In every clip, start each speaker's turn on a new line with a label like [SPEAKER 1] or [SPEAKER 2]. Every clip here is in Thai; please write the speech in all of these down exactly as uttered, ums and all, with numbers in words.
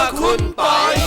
[SPEAKER 1] คุณปอย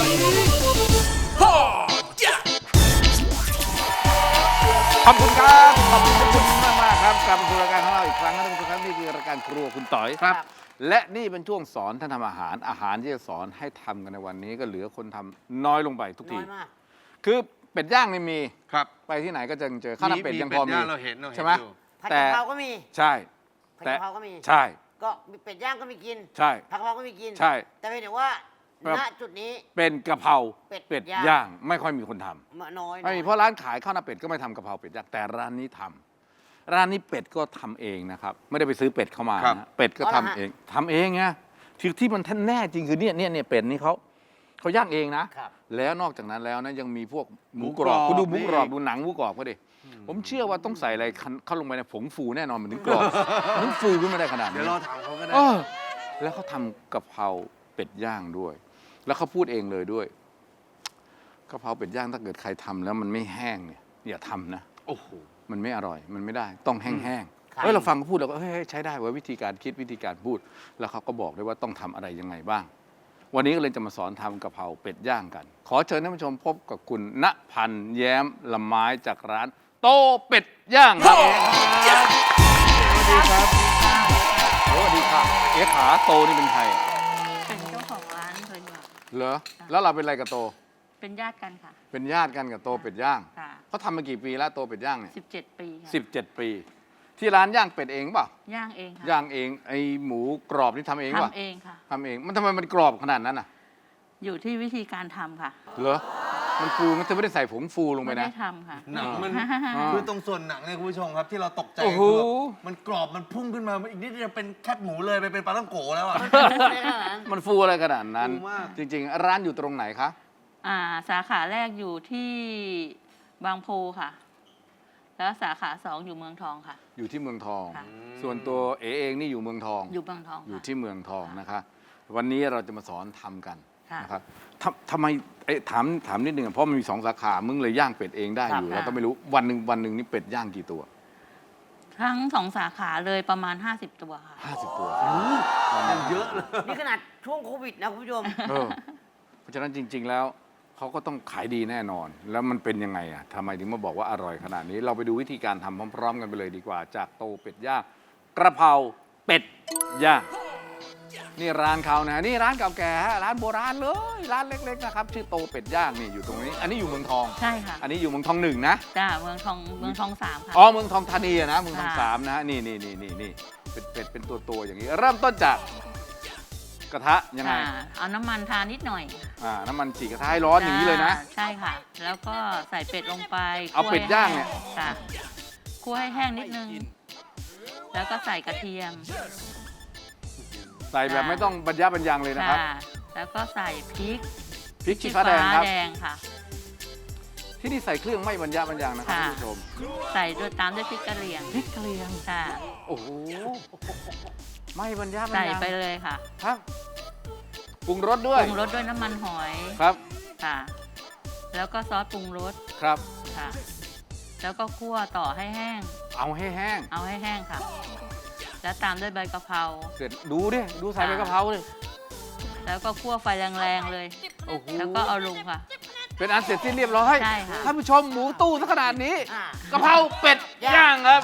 [SPEAKER 1] ขอบคุณครับขอบคุณทุกคนมากมากครับกลับมาสู่รายการของเราอีกครั้งนะท่านผู้ชมครับนี่คือรายการครัวคุณต่อยครับและนี่เป็นช่วงสอนท่านทำอาหารอาหารที่จะสอนให้ทำกันในวันนี้ก็เหลือคนทำน้อยลงไปทุกทีคือเป็ดย่างนี่มีครับไปที่ไหนก็จะเจอข้าวหน้าเป็ดยังพอมีใช่ไหม
[SPEAKER 2] ผัดกะเพราก็มี
[SPEAKER 1] ใช่
[SPEAKER 2] ผัดกะเพราก็มี
[SPEAKER 1] ใช่
[SPEAKER 2] ก็เป็ดย่างก็มีกิน
[SPEAKER 1] ใช่
[SPEAKER 2] ผัดกะเพราก็มีกิน
[SPEAKER 1] ใช่
[SPEAKER 2] แต่เป็นแต่ว่าณจุดนี้
[SPEAKER 1] เป็นกะเพราเป็ดย่างไม่ค่อยมีคนทำ
[SPEAKER 2] น้อย
[SPEAKER 1] ไม่มีเพราะร้านขายข้าวหน้าเป็ดก็ไม่ทำกะเพราเป็ดย่างแต่ร้านนี้ทำร้านนี้เป็ดก็ทำเองนะครับไม่ได้ไปซื้อเป็ดเข้ามานะเป็ดก็ทำเองทำเองไงที่ที่มันท่านแน่จริงคือเนี่ยเนี่ยเนี่ยเป็ดนี่เขาเขาย่างเองนะแล้วนอกจากนั้นแล้วนะยังมีพวกหมูกรอบคุณดูหมูกรอบดูหนังหมูกรอบก็ดิผมเชื่อว่าต้องใส่อะไรเข้าลงไปในผงฟูแน่นอนมันถึงกรอบมันถึงฟูขึ้นมาได้ขนาดนี้
[SPEAKER 3] เดี๋ยวรอถามเขาก็ได้
[SPEAKER 1] แล้วเขาทำกะเพราเป็ดย่างด้วยแล้วเขาพูดเองเลยด้วยกะเพราเป็ดย่างถ้าเกิดใครทำแล้วมันไม่แห้งเนี่ยอย่าทำนะ
[SPEAKER 3] โอ้โห
[SPEAKER 1] มันไม่อร่อยมันไม่ได้ต้องแห้งๆเฮ้ยเราฟังเขาพูดเราก็เฮ้ยใช้ได้ว่าวิธีการคิดวิธีการพูดแล้วเขาก็บอกด้วยว่าต้องทำอะไรยังไงบ้างวันนี้ก็เลยจะมาสอนทำกะเพราเป็ดย่างกันขอเชิญท่านผู้ชมพบกับคุณณพันธ์แย้มละไม้จากร้านโตเป็ดย่างครับสวัสดีครับสวัสดีครับเอ๋ขาโตนี่เป็นใคร
[SPEAKER 4] เป็นเจ้าของร้านเลยเนี่ย
[SPEAKER 1] เหรอแล้วเราเป็นอะไรกับโต
[SPEAKER 4] เป็นญาติกันค่ะ
[SPEAKER 1] เป็นญาติกันกับโตเป็ดย่างเขาทำมากี่ปีแล้วโตเป็ดย่างเนี่ย
[SPEAKER 4] สิบเจ็ดปีค่ะ
[SPEAKER 1] สิบเจ็ดปีที่ร้านย่างเป็ดเองป่ะ
[SPEAKER 4] ย่างเองค่ะ
[SPEAKER 1] ย่างเองไอหมูกรอบนี่ทำเองป่ะ
[SPEAKER 4] ทำเองค่ะ
[SPEAKER 1] ทำเองมันทำไมมันกรอบขนาดนั้นอ่ะ
[SPEAKER 4] อยู่ที่วิธีการทำค่ะ
[SPEAKER 1] เหรอมันฟูมันจะไม่ได้ใส่ผงฟูลงไปนะ
[SPEAKER 4] ไม่ได้ทำค่ะ
[SPEAKER 3] หนังมันคือตรงส่วนหนังเนี่ยคุณผู้ชมครับที่เราตกใจ
[SPEAKER 1] คือ
[SPEAKER 3] มันกรอบมันพุ่งขึ้นมาอีกนิดจะเป็นแคบหมูเลยไปเป็นปลาท่องโกแล้วอ่ะ
[SPEAKER 1] มันฟูอะไรขนาดนั้นจริงๆร้านอยู่ตรงไหนคะ
[SPEAKER 4] อ่าสาขาแรกอยู่ที่บางโพค่ะแล้วสาขาสองอยู่เมืองทองค่ะ
[SPEAKER 1] อยู่ที่เมืองทองส่วนตัวเอเองนี่อยู่เมืองทอง
[SPEAKER 4] อยู่เมืองทอง
[SPEAKER 1] อยู่ที่เมืองทองนะคะวันนี้เราจะมาสอนทำกันนะครับทำไมถามถามนิดนึงเพราะมันมีสองสาขามึงเลยย่างเป็ดเองได้อยู่แล้วก็ไม่รู้วันหนึ่งวันหนึ่งนี่เป็ดย่างกี่ตัว
[SPEAKER 4] ทั้งสองสาขาเลยประมาณห้าสิบตัวค่ะ
[SPEAKER 1] ห้าสิบตัว
[SPEAKER 3] เยอะเลย
[SPEAKER 2] นี่ขนาดช่วงโควิดนะคุณผู้ชม
[SPEAKER 1] เพราะฉะนั้นจริงๆแล้วเขาก็ต้องขายดีแน่นอนแล้วมันเป็นยังไงอ่ะทำไมถึงมาบอกว่าอร่อยขนาดนี้เราไปดูวิธีการทำพร้อมๆกันไปเลยดีกว่าจากโตเป็ดย่างกระเพราเป็ดย่างนี่ร้านเขานะนี่ร้านเก่าแก่ร้านโบราณเลยร้านเล็กๆนะครับชื่อโตเป็ดย่างนี่อยู่ตรงนี้อันนี้อยู่เมืองทอง
[SPEAKER 4] ใช่ค่ะ
[SPEAKER 1] อันนี้อยู่เมืองทองหนึ่งนะ
[SPEAKER 4] จ้าเมืองทองเมืองทองสามค่ะ
[SPEAKER 1] อ๋อเมืองทองธานีนะเมืองทองสามนะนี่นี่นี่นี่นี่เป็ดเป็ดเป็นตัวตัวอย่างนี้เริ่มต้นจากกระทะยังไง
[SPEAKER 4] เอาน้ำมันทานิดหน่อย
[SPEAKER 1] อ่าน้ำมันจีกระทะให้ร้อนอย่างนี้เลยนะ
[SPEAKER 4] ใช่ค่ะแล้วก็ใส่เป็ดลงไป
[SPEAKER 1] เอาเป็ดย่างเนี่ย
[SPEAKER 4] ค่ะคั่วให้แห้งนิดนึงแล้วก็ใส่กระเทียม
[SPEAKER 1] ใส่แบบไม่ต้องบรรยะบรรยังเลยนะครับ
[SPEAKER 4] แล้วก็ใส่พริก
[SPEAKER 1] พริกชี้ฟ้าแดงครับ
[SPEAKER 4] แดงค่ะ
[SPEAKER 1] ที่นี่ใส่เครื่องไม่บรรยะบรรยังนะครับคุณผู้ชม
[SPEAKER 4] ใส่ด้วยตามด้วยพริกกะเหรี่ยง
[SPEAKER 1] พริกกะเหรี่ยง
[SPEAKER 4] ค่ะ
[SPEAKER 1] โอ้โหไม่บรรยะบรรยัง
[SPEAKER 4] ใส่ไปเลยค่ะ
[SPEAKER 1] ครับปรุงรสด้วย
[SPEAKER 4] ปรุงรสด้วยน้ำมันหอย
[SPEAKER 1] ครับ
[SPEAKER 4] ค่ะแล้วก็ซอสปรุงรส
[SPEAKER 1] ครับ
[SPEAKER 4] ค่ะแล้วก็คั่วต่อให้แห้ง
[SPEAKER 1] เอาให้แห้ง
[SPEAKER 4] เอาให้แห้งค่ะแล้วตามด้วยใบกะเพรา
[SPEAKER 1] เสร็จดูดิดูใส่ใบกะเพราเลย
[SPEAKER 4] แล้วก็คั่วไฟแรงๆเลย
[SPEAKER 1] โอ้โห
[SPEAKER 4] แล้วก็เอาลงค่ะ
[SPEAKER 1] เป็นอันเสร็จสิ้นเรียบร้อย
[SPEAKER 4] ใช่ค่ะ
[SPEAKER 1] ท่านผู้ชมหมูตู้ซะขนาดนี้กะเพราเป็ดย่างครับ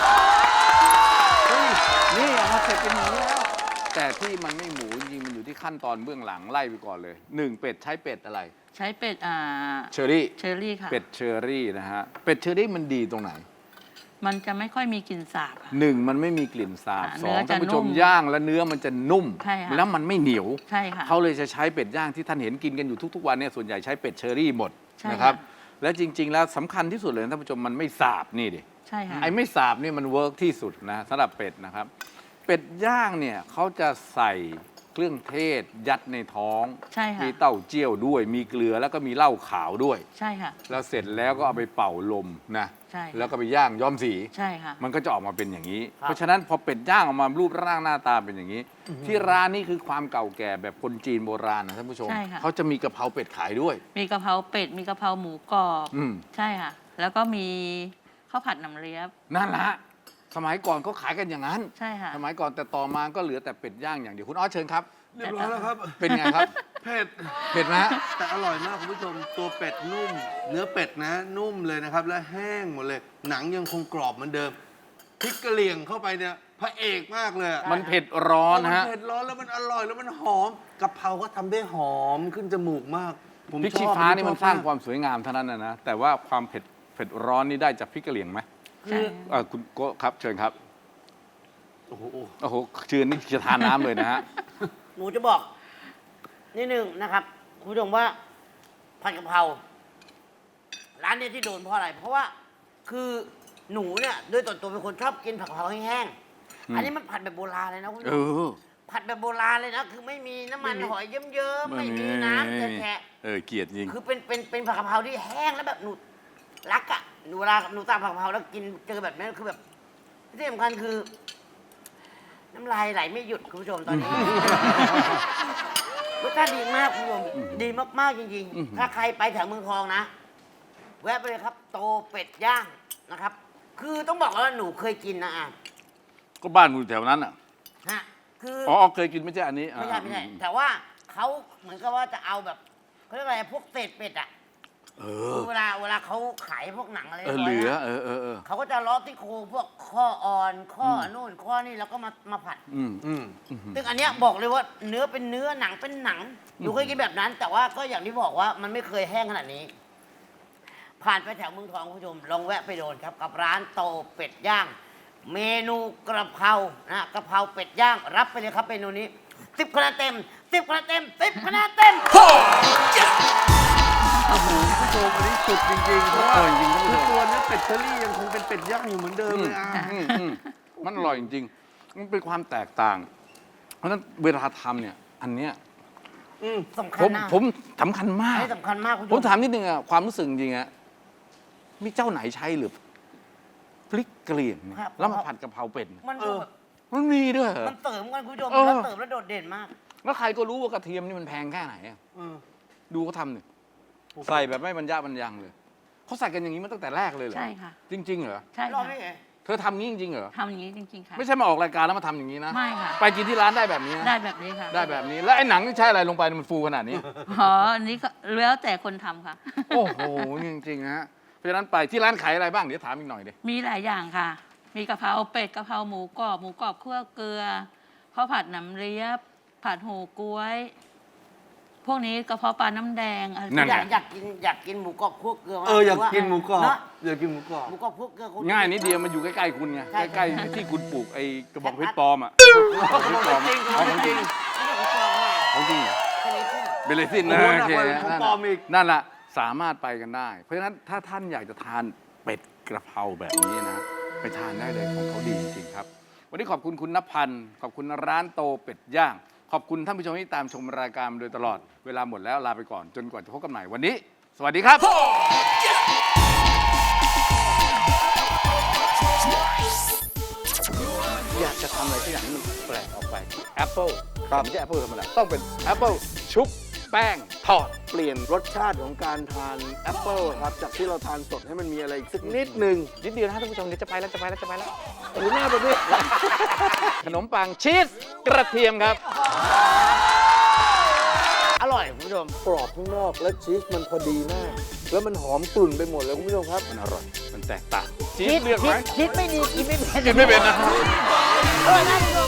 [SPEAKER 1] นี่เอามาเสร็จเป็นหมูแล้วแต่ที่มันไม่หมูจริงมันอยู่ที่ขั้นตอนเบื้องหลังไล่ไปก่อนเลยหนึ่งเป็ดใช้เป็ดอะไร
[SPEAKER 4] ใช้เป็ดอ่า
[SPEAKER 1] เชอรี่
[SPEAKER 4] เชอรี่ค่ะ
[SPEAKER 1] เป็ดเชอรี่นะฮะเป็ดเชอรี่มันดีตรงไหน
[SPEAKER 4] มันจะไม่ค่อยมีกลิ่นสาบ
[SPEAKER 1] หนึ่งมันไม่มีกลิ่นสาบสองท่านผู้ชมย่างแล้วเนื้อมันจะนุ่มแล้วมันไม่เหนียว
[SPEAKER 4] ใช่ค่ะ
[SPEAKER 1] เขาเลยจะใช้เป็ดย่างที่ท่านเห็นกินกันอยู่ทุกๆวันเนี่ยส่วนใหญ่ใช้เป็ดเชอรี่หมดนะครับและจริงๆแล้วสำคัญที่สุดเลยท่านผู้ชมมันไม่สาบนี่ดิ
[SPEAKER 4] ใช่ค่ะ
[SPEAKER 1] ไอ้ไม่สาบนี่มันเวิร์กที่สุดนะสำหรับเป็ดนะครับเป็ดย่างเนี่ยเขาจะใส่เครื่องเทศยัดในท้อง
[SPEAKER 4] ใช่ค่ะ
[SPEAKER 1] มีเต้าเจี้ยวด้วยมีเกลือแล้วก็มีเหล้าขาวด้วย
[SPEAKER 4] ใช่ค่ะ
[SPEAKER 1] แล้วเสร็จแล้วก็เอาไปเป่าลมนะ
[SPEAKER 4] ใช่
[SPEAKER 1] แล้วก็ไปย่างย้อมสี
[SPEAKER 4] ใช่ค่ะ
[SPEAKER 1] มันก็จะออกมาเป็นอย่างนี้ เพราะฉะนั้นพอเป็ดย่างออกมารูปร่างหน้าตาเป็นอย่างนี้ ที่ร้านนี้คือความเก่าแก่แบบคนจีนโบราณนะท่านผู้ชมเขาจะมีกะเพราเป็ดขายด้วย
[SPEAKER 4] มีกะเพราเป็ดมีกะเพราหมูกรอบใช่ค่ะแล้วก็มีข้าวผัดน้ำเลี๊ยบ
[SPEAKER 1] นั่นแหละสมัยก่อนเขาขายกันอย่างนั้น
[SPEAKER 4] ใช่ค่ะ
[SPEAKER 1] สมัยก่อนแต่ต่อมาก็เหลือแต่เป็ดย่างอย่างเดียวคุณออสเชิญครับ
[SPEAKER 3] เรียบร้อยแล้วครับ
[SPEAKER 1] เป็นไงครับ
[SPEAKER 3] เผ็ด
[SPEAKER 1] เผ็ดไหมฮะ
[SPEAKER 3] แต่อร่อยมากคุณผู้ชมตัวเป็ดนุ่ม เนื้อเป็ดนะ นุ่มเลยนะครับ และแห้งหมดเลย หนังยังคงกรอบเหมือนเดิมพริกกะเหรี่ยงเข้าไปเนี่ยพระเอกมากเลยอะ
[SPEAKER 1] มันเผ็ดร้อน
[SPEAKER 3] มั
[SPEAKER 1] ฮะ
[SPEAKER 3] เผ็ดร้อนแล้วมันอร่อยแล้วมันหอมกะเพราก็ทำได้หอมขึ้นจมูกมาก ผม
[SPEAKER 1] พริก
[SPEAKER 3] ช
[SPEAKER 1] ชี้
[SPEAKER 3] อบ
[SPEAKER 1] ฟ้านี่มันสร้าง
[SPEAKER 3] ชอบ
[SPEAKER 1] ความสวยงามเท่านั้นนะนะแต่ว่าความเผ็ดเผ็ดร้อนนี่ได้จากพริกกะเหรี่ยงไหม
[SPEAKER 2] คือ
[SPEAKER 1] เอ่อคุณโก้ครับเชิญครับ
[SPEAKER 3] โอ้โห
[SPEAKER 1] โอ้โหเชิญนี่จะทานน้ำเลยนะฮะ
[SPEAKER 2] หนูจะบอกนิดนึงนะครับคุณผู้ชมว่าผัดกะเพราร้านเนี้ที่โดนเพราะอะไร เพราะว่าคือหนูเนี่ยโดยตัวตัวเป็นคนชอบกินผัดกะเพราแห้ง
[SPEAKER 1] อืม
[SPEAKER 2] ๆอันนี้มันผัดแบบโบราณเลยนะคุณผู้
[SPEAKER 1] เอ
[SPEAKER 2] ชม
[SPEAKER 1] อ
[SPEAKER 2] ผัดแบบโบราณเลยนะ คือไม่มีน้ำมันหอยเยิ้มๆไม่มีน้ำแฉะ
[SPEAKER 1] เออเกลียดจริง
[SPEAKER 2] ๆคือเป็นเป็นเป็นผัดกะเพราที่แห้งแล้วแบบหนูรักอ่ะหนูเวลาหนูสั่งผัดกะเพราแล้วกินเจอแบบนั้นคือแบบที่สำคัญคือ น้ำลายไหลไม่หยุดคุณผู้ชมตอนนี้ รสชาติดีมากคุณผู้ชมดีมากๆจริง
[SPEAKER 1] อื้อหือ
[SPEAKER 2] ๆ ถ้าใครไปแถวเมืองทองนะ แวะไปเลยครับ โตเป็ดย่างนะครับ คือต้องบอกว่าหนูเคยกินนะอ่ะ
[SPEAKER 1] ก็บ้านคุณอยู่แถวนั้นอ่ะ
[SPEAKER 2] ฮะคือ
[SPEAKER 1] อ๋อเคยกินไม่ใช่อันนี้
[SPEAKER 2] ไม่ใช่ไม่ใช่
[SPEAKER 1] อ่า
[SPEAKER 2] แต่ว่าเขาเหมือนกับว่าจะเอาแบบเขาเรียกอะไรพวกเศษเป็ดอ่ะ
[SPEAKER 1] เอ
[SPEAKER 2] คือ อเวลาเวลาเขาขายพวกหนังอะไร
[SPEAKER 1] เออ
[SPEAKER 2] ร้
[SPEAKER 1] เห
[SPEAKER 2] ย
[SPEAKER 1] ลือ
[SPEAKER 2] นะ
[SPEAKER 1] เออเออเออ
[SPEAKER 2] เขาก็จะล้อที่โครงพวกข้ออ่อนข้ออนู่นข้อนี่แล้วก็มามาผัด
[SPEAKER 1] อืม
[SPEAKER 3] อืม
[SPEAKER 2] ซึ่งอันเนี้ยบอกเลยว่าเนื้อเป็นเนื้อหนังเป็นหนังหนูเคยกินแบบนั้น แต่ว่าก็อย่างที่บอกว่ามันไม่เคยแห้งขนาดนี้ ผ่านไปแถวเมืองทองคุณผู้ชมลองแวะไปโดนครับ กับร้านโตเป็ดย่าง เมนูกระเพรานะกระเพราเป็ดย่าง รับไปเลยครับเมนูนี้สิบคะแนนเต็มสิบคะแนนเต็มสิบคะแนนเต็ม
[SPEAKER 3] โอ้โหคุณผู้ชมอันนี้สุดจริงๆเพราะว่า
[SPEAKER 1] เออจริงๆท่านผู้
[SPEAKER 3] คือ
[SPEAKER 1] ชม
[SPEAKER 3] ตัวเนื้อเป็ดเชอรี่ยังคงเป็นเป็ดย่างอยู่เหมือนเดิมเลยอ่ะ
[SPEAKER 1] อืมอืมมันอร่อยจริงๆ มันเป็นความแตกต่าง เพราะฉะนั้นเวลาทำเนี่ย อันเนี้ย
[SPEAKER 3] อืม
[SPEAKER 2] สำคั
[SPEAKER 1] ผ
[SPEAKER 2] ญ
[SPEAKER 1] ม
[SPEAKER 2] นะ
[SPEAKER 1] ผมสำคัญมาก
[SPEAKER 2] ให้สำคัญมากคุณ
[SPEAKER 1] ผ
[SPEAKER 2] ผู้
[SPEAKER 1] ม
[SPEAKER 2] ชม
[SPEAKER 1] ถามนิดนึงอะความรู้สึกจริงๆอะมีเจ้าไหนใช้หรือพริกกะเหรี่ยงเนี่ยแล้วมาผัดกะเพราเป็ดเนี่ย
[SPEAKER 2] มันดูแบบ
[SPEAKER 1] มันมีด้วยเหรอ
[SPEAKER 2] มันเติมกันคุณผู้ชม
[SPEAKER 1] เออ
[SPEAKER 2] แล้วเติมแล้วโดดเด่นมาก
[SPEAKER 1] แล้วใครก็รู้ว่ากระเทียมนี่มันแพงแค่ไหนอะ
[SPEAKER 3] เออ
[SPEAKER 1] ดูเขาทำเนี่ยใส่แบบไม่บรรยะบรรยังเลยเขาใส่กันอย่างนี้มาตั้งแต่แรกเลยเหรอ
[SPEAKER 4] ใช่ค่ะ
[SPEAKER 1] จริง ๆ เหรอ
[SPEAKER 4] ใช่
[SPEAKER 2] รอบ
[SPEAKER 4] ค่ะ
[SPEAKER 2] นี้ไง
[SPEAKER 1] เธอทำงี้จริงๆเหรอ
[SPEAKER 4] ทำอย่างนี้จริง ๆ ค่ะ
[SPEAKER 1] ไม่ใช่มาออกรายการแล้วมาทำอย่างนี้นะ
[SPEAKER 4] ไม่ค่ะ
[SPEAKER 1] ไปกินที่ร้านได้แบบนี้นะ
[SPEAKER 4] ได้แบบนี้ค่ะ
[SPEAKER 1] ได้แบบนี้ แล้วไอ้หนังที่ใช้อะไรลงไปมันฟูขนาดนี้
[SPEAKER 4] อ๋ออันนี้ก็แล้วแต่คนทำค่ะ
[SPEAKER 1] โอ้โหจริงๆนะฮะเพราะฉะนั้นไปที่ร้านขายอะไรบ้างเดี๋ยวถามอีกหน่อยดิ
[SPEAKER 4] มีหลายอย่างค่ะ มีกะเพราเป็ดกะเพราหมูกรอบหมูกรอบคั่วเกลือข้าวผัดหนำเลียบ ผัดหูก๊วย พวกนี้กระเพาะปลาน้ำแดงอะไร
[SPEAKER 1] นั่น
[SPEAKER 2] อ
[SPEAKER 1] ไง
[SPEAKER 2] ยากอยากกินอยากกินหมูกรอบคั่วเกลือม
[SPEAKER 3] เอออยากกินหมูกรอบ
[SPEAKER 2] เนาะ
[SPEAKER 3] อยากกินหมูกรอบ
[SPEAKER 2] หมูกรอบคั่วเกลือค
[SPEAKER 1] ง่ายนิดเดียวมันอยู่ใกล้ๆคุณไง
[SPEAKER 2] ใช่
[SPEAKER 1] ใกล้ๆที่คุณปลูกไอ้กระบอกเพชรปลอมอ่ะ
[SPEAKER 3] จริง
[SPEAKER 1] เอาของจริง
[SPEAKER 2] ไม่ใช่ของปลอมนะ
[SPEAKER 1] ของจริงเหรอ
[SPEAKER 2] แค่นี้ขึ้น
[SPEAKER 1] เบลเลซิน
[SPEAKER 3] โอ้
[SPEAKER 1] นะ
[SPEAKER 3] โห
[SPEAKER 1] โอ
[SPEAKER 3] หนัก
[SPEAKER 1] เค
[SPEAKER 3] กว่าของปลอมอีก
[SPEAKER 1] นั่นแหละสามารถไปกันได้ เพราะฉะนั้นถ้าท่านอยากจะทานเป็ดกระเพราแบบนี้นะ ไปทานได้เลยของเขาดีจริงๆครับ วันนี้ขอบคุณคุณนภันธ์ขอบคุณร้านโตเป็ดย่าง ขอบคุณท่านผู้ชมที่ตามชมรายการมาโดยตลอด เวลาหมดแล้วลาไปก่อนจนกว่าจะพบกันใหม่วันนี้ สวัสดีครับ อยากจะทำอะไรสักอย่างที่มันแปลกออกไปแอปเปิลไม่ใช่แอปเปิลธรรมดาต้องเป็นแอปเปิลชุบแป้งทอด
[SPEAKER 3] เปลี่ยนรสชาติของการทานแอปเปิลครับ จากที่เราทานสดให้มันมีอะไรอีกสักนิดหนึ่ง
[SPEAKER 1] นิดเดียวนะท่านผู้ชมเดี๋ยวจะไปแล้วจะไปแล้วจะไปแล้ว
[SPEAKER 3] โอ้โหหน้าแบบนี้
[SPEAKER 1] ขนมปังชีสกระเทียมครับ
[SPEAKER 2] อร่อยคุณผู้ชม
[SPEAKER 3] กรอบข้างนอกและชีสมันพอดีมาก แล้วมันหอมกลุ่นไปหมดเลยคุณผู้ชมครับ
[SPEAKER 1] มันอร่อย มันแตกต่างชีสเลือกไหม
[SPEAKER 2] คิดไม่ดีกินไม่เป็น
[SPEAKER 1] กินไม่เป็นนะ
[SPEAKER 2] เออน่าดู